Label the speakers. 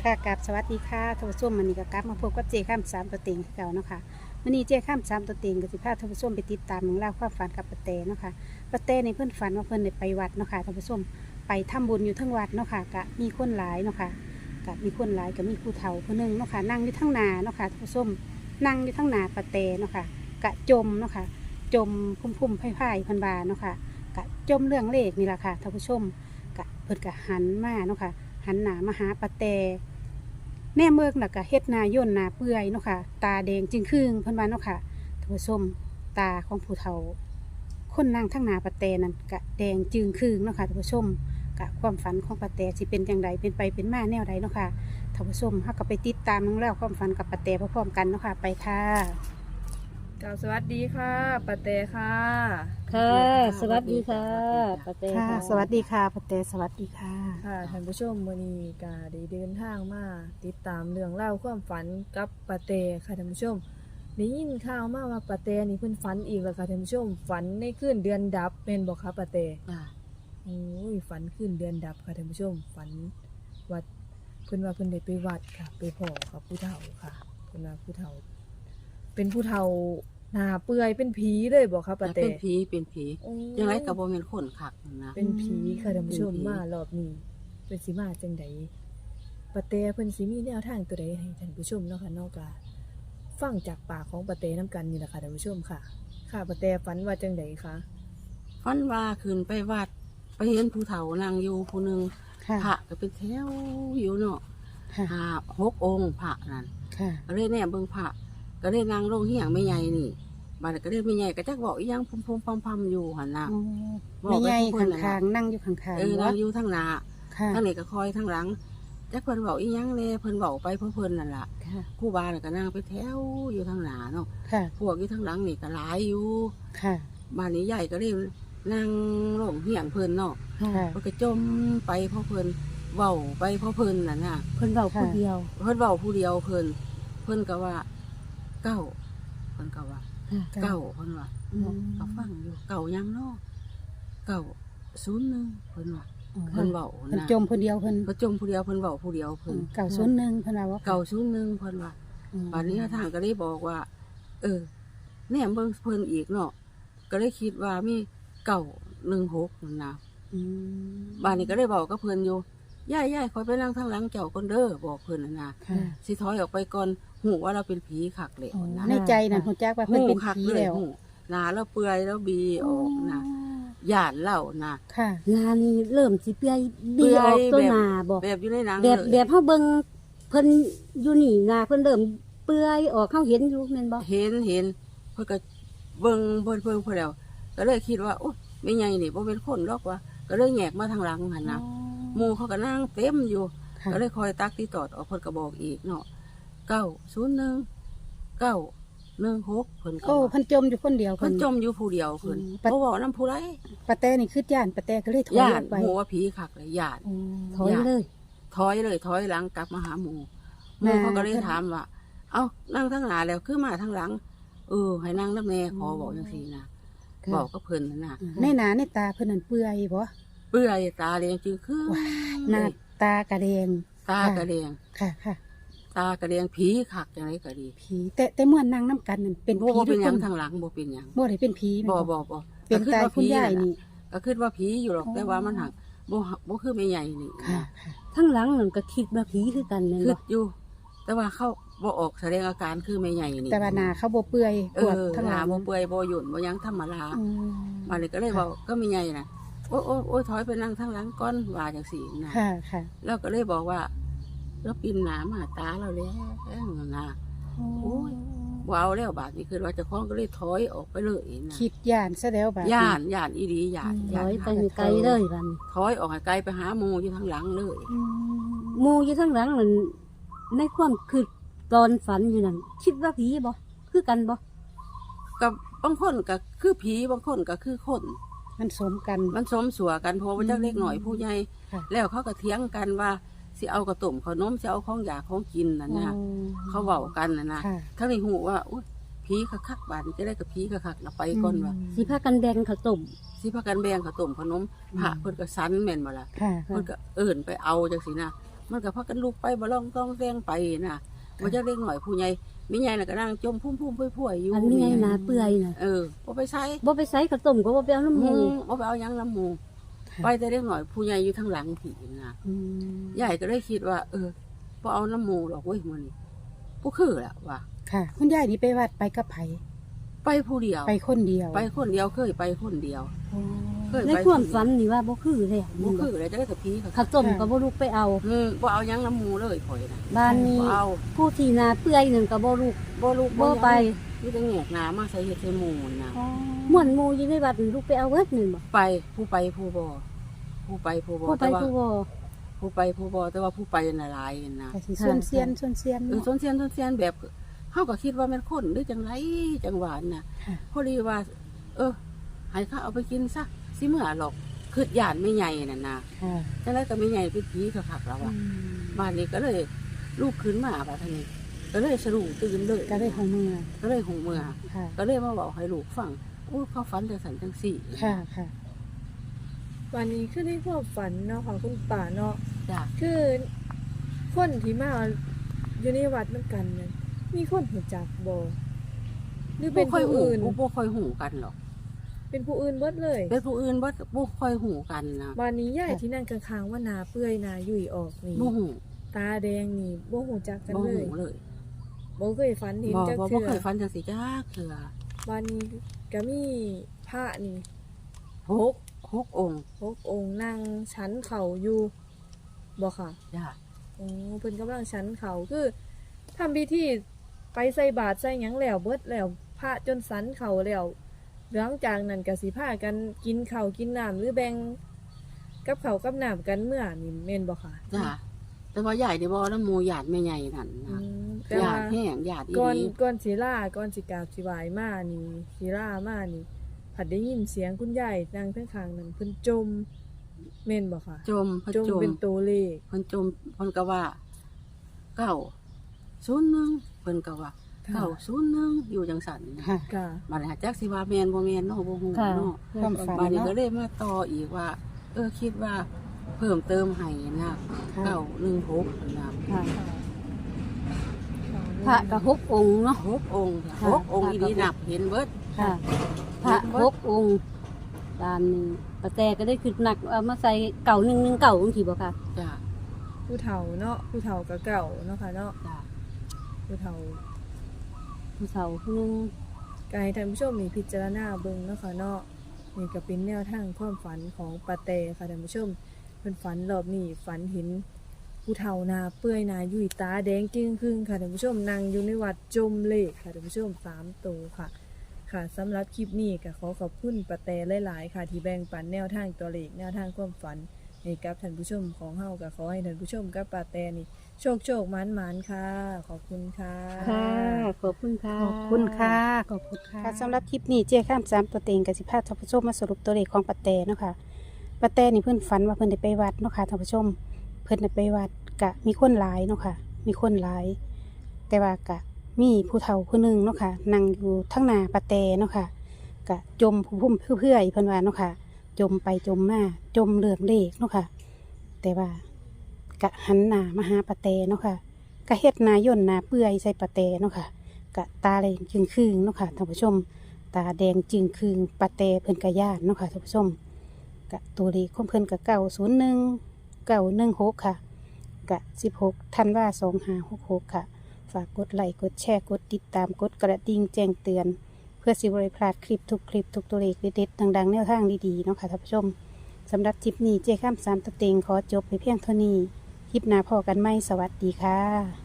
Speaker 1: ค่ะกับสวัสดีค่ะท่านผู้ชมวันนี้ก็กลับมาพบกับเจข้ามสามตัวเต็งคือเก่าเนาะค่ะวันนี้เจข้ามสามตัวเต็งก็สิพาท่านผู้ชมไปติดตามเรื่องราวความฝันกับป้าแตเนาะค่ะป้าแตในเพื่อนฝันว่าเพื่อนได้ไปวัดเนาะค่ะท่านผู้ชมไปทำบุญอยู่ทั้งวัดเนาะค่ะกะมีคนหลายเนาะค่ะกะมีคนหลายก็มีผู้เฒ่าคนหนึงเนาะค่ะนั่งอยู่ทั้งนาเนาะค่ะท่านผู้ชมนั่งอยู่ทั้งนาป้าแตเนาะค่ะกะจมเนาะค่ะจมพุ่มไผ่ๆพันบาเนาะค่ะกะจมเรื่องเลขนี่แหละค่ะท่านผู้ชมกะเพิ่นกะหันมาเนาะค่ะหันหน้ามาหาป้าแต แน่เมืองน่ะก็เฮ็ดนาย่นนาเปื่อยเนาะค่ะตาแดงจึงครึ่งเพิ่นว่าเนาะค่ะท่านผู้ชมตาของผู้เฒ่าคนนั่งทั้งหนาปะแตนั่นก็แดงจึงครึ่งเนาะค่ะท่านผู้ชมกะความฝันของปะแตสิเป็นจังไดเป็นไปเป็นมาแนวใดเนาะค่ะท่านผู้ชมเฮาก็ไปติดตามเรื่องราวความฝันกับปะแตพร้อมๆกันเนาะค่ะไปค่ะ
Speaker 2: กล่าวสวัสดีค่ะปาเตค่ะ
Speaker 3: ค่ะ สวัสดีค่ะป้าเต้
Speaker 1: ค่ะ
Speaker 3: ค่ะ
Speaker 1: สวัสดีค่ะปะแตสวัสดีค่ะ
Speaker 2: ค่ะท่านผู้ชมวันนี้ก็ได้เดินทางมาติดตามเรื่องเล่าวความฝันกับปาเตค่ะท่านผู้ชมได้ยินข่าวมาว่าปาเตนี่เพิ่นฝันอีกแล้วค่ะท่านผู้ชมฝันในคืนเดือนดับเป็นบ่คะปาเต
Speaker 3: จ้ะ
Speaker 2: โอ้ยฝันคืนเดือนดับค่ะท่านผู้ชมฝันวัดเพิ่นว่าเพิ่นได้ไปวัดค่ะไปพ้อกับผู้เฒ่าค่ะเพิ่นว่าผู้เฒ่า เป็นผู้เฒ่าหน้าเปื่อยเป็นผีเลยบ่คะปาเต
Speaker 3: เป็นผี
Speaker 2: โอ้
Speaker 3: ยังไงก็บ่แม่นคนคักนะ
Speaker 2: เป็นผีค่ะท่านผู้ชม
Speaker 3: เป็นผี
Speaker 2: มารอบนี้เป็นสิมาจังใดปะเตเพิ่นสิมีแนวทางตัวใดให้ท่านผู้ชมเนาะค่ะนอกจากฟังจากปากของปะเตน้ำกันนี่แหละค่ะท่านผู้ชมค่ะ ค่ะปะเตฝันว่าจังใดคะ
Speaker 3: ฝันว่าขึ้นไปวัดไปเห็นผู้เฒ่านั่งอยู่ผู้หนึง
Speaker 1: ค่ะ
Speaker 3: พระก็เป็นแถวอยู่เนาะ
Speaker 1: ค่ะ
Speaker 3: 6 องค์พระนั่น
Speaker 1: ค่ะ
Speaker 3: ก็เลยแน่เบิ่งพระก็เลยนั่งลงเฮียงแม่ใหญ่นี่บัดนั้นก็เลยแม่ใหญ่ก็จักบอกอีหยังพุ่มๆพำๆอยู่หั่นน่ะ
Speaker 1: อ๋อ
Speaker 3: บอก
Speaker 1: แม่
Speaker 3: ไป
Speaker 1: ใหญ่
Speaker 3: ทุกคนน่ะ
Speaker 1: ข้างๆนั่งอยู่ข้างๆ
Speaker 3: นั่งอยู่ทางหน้า
Speaker 1: ค่ะ
Speaker 3: ทางนี้ก็คอยทางหลังจักเพิ่นเว้าอีหยังแน่เพิ่นเว้าไปเพราะเพิ่นนั่นล่ะ
Speaker 1: ค่ะ
Speaker 3: ครูบาน่ะก็นั่งไปแถวอยู่ทางหน้าเนาะ
Speaker 1: ค่ะ
Speaker 3: พวกอยู่ทางหลังนี่ก็หลายอยู่
Speaker 1: ค่ะ
Speaker 3: บ้านนี้ใหญ่ก็เลยนั่งลงเหียงเพิ่นเนาะ
Speaker 1: ค่ะ
Speaker 3: เพิ่นก็จมไปเพราะเพิ่นเว้าไปเพราะเพิ่นน่ะนะ
Speaker 1: เพิ่นเว้าผู้เดียว
Speaker 3: เพิ่นเว้าผู้เดียวเพิ่นก็ว่าเก้าเพิ่นก็ว่าเก้าเพิ่นว่า
Speaker 1: อืม
Speaker 3: ก็ฟังอยู่เก้ายังเนาะเก้า01เพิ่นว่าเพิ่นเว้า
Speaker 1: เพิ่น
Speaker 3: นะ
Speaker 1: จมผู้เดียวเพิ่น
Speaker 3: เพิ่นจมผู้เดียวเพิ่นเว้าผู้เดียวเพิ่น
Speaker 1: 901เพิ่นว่า
Speaker 3: เก้า01เพิ่นว่า ป่านนี้ทางก็ได้บอกว่า แหนมเบิ่งเพิ่นอีกเนาะก็ได้คิดว่ามี916นั่นนะ
Speaker 1: อืม
Speaker 3: บ้านนี้ก็ได้บอกกับเพิ่นอยู่ย่ายคอยไปนั่งทางหลังเจ้าก่อนเด้อบอกเพิ่นน่ะนะ
Speaker 1: ค่ะ
Speaker 3: สิถอยออกไปก่อนหูว่าเราเป็นผีคักเลย
Speaker 1: อ๋อ
Speaker 3: นะ
Speaker 1: ในใจนั่นฮู้จักว่าเพิ่นเป็น
Speaker 3: คัก
Speaker 1: ผี
Speaker 3: เลย
Speaker 1: แล้ว
Speaker 3: หูหน้าเราเปื่อยแล้วบีออกนะย่านเล่านะ
Speaker 1: ค่ะ
Speaker 4: งานนี้เริ่มสิเปื่อย
Speaker 3: เปื่
Speaker 4: บี
Speaker 3: อย
Speaker 4: ออกตัว
Speaker 3: แบบ
Speaker 4: หนาบอก
Speaker 3: แบบอยู่ในหนัง
Speaker 4: แบบ
Speaker 3: เลย
Speaker 4: เฮาเบิ่งเพิ่นอยู่นี่หนาเพิ่นเริ่มเปื่อยออกเฮาเห็นอยู่แม่นบ่
Speaker 3: เห็นเพิ่นก็เบิ่งเพิ่นแล้วก็เลยคิดว่าโอ๊ยไม่ใหญ่นี่บ่เป็นคนหรอกว่าก็เลยแงกมาทางหลังหั่นนะ หมู่เขาก็นั่งเต็มอยู่
Speaker 1: ค่ะ
Speaker 3: ก็เลยคอยตักที่ตอดออกเพิ่นก็บอกอีกเนาะ901 916เพิ่นก็
Speaker 1: โอ้
Speaker 3: ว่า
Speaker 1: เพิ่นจมอยู่คนเดียว
Speaker 3: เพิ่นจมอยู่ผู้เดียวเพิ่น
Speaker 1: ปัด
Speaker 3: บ่เว้านำผู้ใด
Speaker 1: ปะแตนี่คือย่านปะแตก็เลยถอย
Speaker 3: ญา
Speaker 1: ออ
Speaker 3: ติ
Speaker 1: กไป
Speaker 3: หมู่ว่าผีคักเลยญาติ
Speaker 1: อ๋อ
Speaker 4: ถอยเลย
Speaker 3: ถอยเลยถอยหลังกลับมาหาหมู่หมู่
Speaker 1: มา
Speaker 3: เขาก็เลยถามว่า เอ้านั่งทางหน้าแล้วคือมาทางหลังให้นั่งนำแน่ขอบอกจังซี่นะบอกกับเพิ่นนั่นน่ะ
Speaker 1: ในหนาในตาเพิ่นนั่นเปื่อยบ่
Speaker 3: เปื่อยตาแดงจึงคือ
Speaker 1: หน้าตากระแดง
Speaker 3: ตากระแดง
Speaker 1: ค่ะค่ะ
Speaker 3: ตากระแดงผีคักจังไดก็ดี
Speaker 1: ผีแต่เมื่อนั่งน้ำกันนั่นเป็น
Speaker 3: บ่
Speaker 1: ผี
Speaker 3: เป็นหยัง
Speaker 1: ทุกค
Speaker 3: ทางหลังบ่เป็นหยัง
Speaker 1: บ่ได้เป็นผีแม่น
Speaker 3: บ่
Speaker 1: เป็นตาย
Speaker 3: ก็
Speaker 1: คุณยาย
Speaker 3: ผี
Speaker 1: นี่
Speaker 3: ก็คิดว่าผีอยู่หรอก
Speaker 1: อ๋อ
Speaker 3: แต่ว่ามันหักบ่คือไม่ใหญ่นี่
Speaker 1: ค่ะค่ะ
Speaker 4: ทั้งหลังนั่นก็คิดว่าผีคือกันแม่น
Speaker 3: คิ
Speaker 4: บ่
Speaker 3: ดอยู่ แต่ว่าเขาบ่ออกแสดงอาการคือไม่ใหญ่นี่
Speaker 1: แต่ว่าหนาเขาบ่เปื่อยปวดทั้ง
Speaker 3: ห
Speaker 1: ห
Speaker 3: น้า
Speaker 1: ลัง
Speaker 3: บ่เปื่อยบ่หยุ่นบ่หยังธรรมดา
Speaker 1: อืม
Speaker 3: มาเลยก็เลยบอกก็ไม่ใหญ่น่ะโอ้ยถอยไปนั่งทางหลังก่อนว่าจังซี่นะ
Speaker 1: ค่ะค่ะ
Speaker 3: แล้วก็เลยบอกว่าแล้วปีนหน้ามาตาเราแล้วนะ โอ้ย ว้าวแล้วบาดนี้คือว่าเจ้าของก็เลยถอยออกไปเลยนะ
Speaker 1: คิดย่านซะแล้วบาดนี้
Speaker 3: ย่านอีหลีย่าน
Speaker 4: ถอยไปให้ไกลเลยบัดนี้
Speaker 3: ถอยออกให้ไกลไปหาหมู่อยู่ทางหลังเลย
Speaker 1: อืม
Speaker 4: หมู่อยู่ทั้งหลังนั่นในความคือตอนฝันอยู่นั่นคิดว่าผีบ่คือกันบ่
Speaker 3: กับบางคนก็คือผีบางคนก็คือคน
Speaker 1: มันสมกัน
Speaker 3: มันสมสัวกันเพราะว่าเจ้าเล็กหน่อยผู้ใหญ่
Speaker 1: ค่ะ
Speaker 3: แล้วเขาก็เถียงกันว่าสิเอากระตุ่มขนมสิเอาของอยากของกินน่ะนะ
Speaker 1: อ๋อ
Speaker 3: เขาเว้ากันน่ะนะ
Speaker 1: ค่ะ
Speaker 3: ทั้งในหูว่าอุ๊ยผีคักๆบาดนี้จะได้กับผีคักๆน่ะไปก่อนว่า
Speaker 4: สิพากันแบ่งข้าวต้ม
Speaker 3: สิพากันแบ่งข้าวต้มขนมพระเพิ่นก็สันแม่นบ่ล่ะ
Speaker 1: ค่ะ
Speaker 3: เพิ่นก็เอิ้นไปเอาจังซี่นะมันก็พากันลุกไปบ่ลองต้องแซงไปน่ะบ่จักเล็กหน่อยผู้ใหญ่มีใหญ่น่ะก็นั่งจมพุ่มๆพุ่ยๆอยู่
Speaker 4: อันนี้ไงนาเปื่อยน่ะ
Speaker 3: บ่ไปใช้
Speaker 4: บ่ไปใส่ข้าวต้มก็บ่ไปเอาน้ำหมู
Speaker 3: บ่ไปเอาหยังน้ำหมู่
Speaker 1: ค่ะ
Speaker 3: ไปแต่เล็กหน่อยผู้ใหญ่อยู่ทางหลังผีน่ะ
Speaker 1: อืม
Speaker 3: ยายก็ได้คิดว่า บ่เอาน้ำหมู่หรอกเว้ยมื้อนี้บ่คือล่ะว่า
Speaker 1: ค่ะ คุณยายนี่ไปวัดไปกับไผ
Speaker 3: ไปผู้เดียว
Speaker 1: ไปคนเดียว
Speaker 3: ไปคนเดียวเคยไปคนเดียว
Speaker 1: อ๋อ
Speaker 3: เคย
Speaker 4: ใน
Speaker 3: ไป
Speaker 4: ความฝันนี่ว่าบ่คือแล้ว
Speaker 3: บ่คือเลยจะได้กับพี่เขา
Speaker 4: ข้าวต้มก็บ่ลุกไปเอา
Speaker 3: บ่เอาหยังน้ำหมูเลยข่อยน่ะ
Speaker 4: บ้านนี้
Speaker 3: บ่เอา
Speaker 4: ผู้ที่นาเปื่อยนั่นก็บ่ลุก
Speaker 3: บ่ลูก
Speaker 4: บ่ไป
Speaker 3: มีแต่แงกหน้ามาใส่เฮ็ดใส่หมูน่ะ
Speaker 4: ม่วนหมู่อยู่ในวัดนี่ลุกไปเอาเบิดนี่บ่
Speaker 3: ไปผู้ไปผู้บ่ผู้ไปผู้บ่
Speaker 4: ผู้ไป
Speaker 3: แต่ว่า
Speaker 4: ผู้บ่
Speaker 3: ผู้ไปผู้บ่แต่ว่าผู้ไปน่ะหลายน่ะ
Speaker 1: ก็สิส่วนเซียนส่วนเซียน
Speaker 3: ส่
Speaker 1: เนาะ
Speaker 3: วนเซียนแบบเฮาก็คิดว่าแม่นคนหรือจังไรจังหวานน่ะ
Speaker 1: ค่ะ
Speaker 3: พอดีว่า ให้เขาเอาไปกินซะสิเมื่อหรอกคือย่านไม่ใหญ่นั่นน่ะ
Speaker 1: ค่ะ
Speaker 3: จังไรก็ไม่ใหญ่เป็นผีคักๆแล้ว
Speaker 1: อื
Speaker 3: อ่ะ
Speaker 1: ม
Speaker 3: บ้านนี้ก็เลยลูกขึ้นมาบัดนี้ก็เลยสรุปตื่นเลย
Speaker 1: ก็ได้ของเมือง
Speaker 3: ก็เลยหงเมื่อ
Speaker 1: ค่ะ
Speaker 3: ก็เลยมาบอกให้ลูกฟังอู้เขาฝันจังสันจังสี่
Speaker 1: ค่ะค่ะ
Speaker 2: วันนี้คือในความฝันเนาะของคุณป่าเนาะ
Speaker 3: จ้ะ
Speaker 2: คือคนที่มาอยู่ในวัดนำกันนั้นมีคนหูจักบ่หรือเป็นผู้อื่น
Speaker 3: บ่ค่อยหูกันหรอก
Speaker 2: เป็นผู้อื่นเบิดเลย
Speaker 3: เป็นผู้อื่นบ่ค่อยหูกันนะ
Speaker 2: วันนี้ยายที่นั่งข้างๆว่านาเปื่อยนายุ่ยออกนี่
Speaker 3: บ่หู
Speaker 2: ตาแดงนี่บ่หูจักกัน
Speaker 3: บ่
Speaker 2: เล
Speaker 3: หู
Speaker 2: ย
Speaker 3: เลย
Speaker 2: บ่เคยฝันเห็น
Speaker 3: บ่
Speaker 2: จัก
Speaker 3: บ่
Speaker 2: เทื่อ
Speaker 3: เคยฝันจังสิจ้าเถื่อ
Speaker 2: วันนี้ก็มีพระนี่
Speaker 3: หกองค์
Speaker 2: 6องค์นั่งชั้นเข่าอยู่บ่ค่ะ
Speaker 3: จ้ะ
Speaker 2: โอ้เพิ่นกำลังชั้นเขาคือทำพิธีไปใส่บาตรใส่หยังแล้วเบิดแล้วพระจนสันเขาแล้วหลังจากนั้นก็สิพากันกินข้าวกินน้ำหรือแบ่งกับข้าวกับน้ำกันเมื่อนี่แม่นบ่ค่ะ
Speaker 3: จ้ะแต่ว่าใหญ่ได้บ่น้ำหมูหยาดแม่ใหญ่นั่น
Speaker 2: อื
Speaker 3: นะ
Speaker 2: มแต่
Speaker 3: หยา
Speaker 2: ว่า
Speaker 3: ดแห้งหยาดอี
Speaker 2: ก่อน
Speaker 3: หลี
Speaker 2: ก่อนสิลาก่อนสิกราบสิไหว้มานี่สิลามานี่ผัดได้ยินเสียงคุณยายนั่งข้างๆนั้นเพิ่นจมแม่นบ่ค่ะ
Speaker 3: จมเพิ่น
Speaker 2: จม
Speaker 3: จม
Speaker 2: เป็นตัวเลข
Speaker 3: เพิ่นจมเพิ่นก็ว่า901เพิ่นก็ว่า
Speaker 2: ค่ะ
Speaker 3: 901อยู่จังซั่นนะ
Speaker 1: ค่ะ
Speaker 2: ค่ะ
Speaker 3: บัดนี้จักสิว่าแม่นบ่แม่นเนาะบ่ฮู้
Speaker 4: ค่ะ
Speaker 3: เนาะ
Speaker 1: ความฝัน
Speaker 3: บัดนี้
Speaker 1: เนาะ
Speaker 3: ก็เลยมาต่ออีกว่า คิดว่าเพิ่มเติมให้นะ
Speaker 1: ค่ะ
Speaker 3: 916นะ
Speaker 4: ค่ะพระก็6องค์เนาะ
Speaker 3: 6องค์
Speaker 4: ค่ะ
Speaker 3: 6องค์อีนี้นับเห็นเบิด
Speaker 4: ค่ะพระ6องค์ด้านนี้ป้าแต่ก็ได้ขึ้นหนักเอามาใส่เก่า119จังซี่บ่ค่ะ
Speaker 3: จ้ะ
Speaker 2: ผู้เฒ่าเนาะผู้เฒ่าก็เก่าเนาะค่ะเนาะ
Speaker 3: จ้ะ
Speaker 2: ผู้เฒ่า
Speaker 4: ผู้เฒ่าผู้หนึง
Speaker 2: ก็ให้ท่านผู้ชมมีพิจารณาเบิ่งเนาะค่ะเนาะนี่ก็เป็นแนวทางความฝันของปาเตค่ะท่านผู้ชมเพิ่นฝันรอบนี้ฝันเห็นผู้เฒ่านาเปื่อยนายุ่ยตาแดงจึ้งครึ่งค่ะท่านผู้ชมนั่งอยู่ในวัดจมเลขค่ะท่านผู้ชม3ตัวค่ะ ค่ะสำหรับคลิปนี้ก็ขอขอบคุณปาเตหลายๆค่ะ ที่แบ่งปันแนวทางตัวเลขแนวทางความฝันให้กับท่านผู้ชมของเฮาก็ขอให้ท่านผู้ชมกับปาเตนี่โชคหมานๆค่ะ ขอบคุณค่ะ
Speaker 4: ค่ะขอบคุณค่ะ
Speaker 1: ขอบคุณค่ะ ขอบคุณค่ะสำหรับคลิปนี้เจ้ข้าม3ตัวเต็งกับสิพาท่านผู้ชมมาสรุปตัวเลขของปะแตเนาะค่ะปะแตนี่เพิ่นฝันว่าเพิ่นได้ไปวัดเนาะค่ะท่านผู้ชม เพิ่นได้ไปวัดกะมีคนหลายเนาะค่ะ มีคนหลาย แต่ว่ากะมีผู้เฒ่าผู้หนึงเนาะค่ะนั่งอยู่ทั้งหน้าปะแตเนาะค่ะกะจมพุ่มเพื่อยๆเพิ่นว่าเนาะค่ะ จมไปจมมาจมเลื่อมเลขเนาะค่ะ แต่ว่ากะหันหน้ามาหาปะแตเนาะค่ะกะเฮ็ดหน้าย่นหน้าเปื่อยใส่ปะแตเนาะค่ะ กะตาแดงจึงคืงเนาะค่ะท่านผู้ชม ตาแดงจึงคืงปะเตเพิ่นกะย่านเนาะค่ะท่านผู้ชมกะตัวเลขของเพิ่นกะ901 916ค่ะกะ16ธันวา2566ค่ะฝากกดไลค์กดแชร์กดติดตามกดกระดิ่งแจ้งเตือน เพื่อสิบ่ได้พลาดคลิปทุกตัวเลขเด็ดๆดังๆแนวทางดีๆเนาะค่ะท่านผู้ชมสำหรับคลิปนี้เจ้ข้าม3ตัวเต็งขอจบไปเพียงเท่านี้คลิปหน้าพอกันไหมสวัสดีค่ะ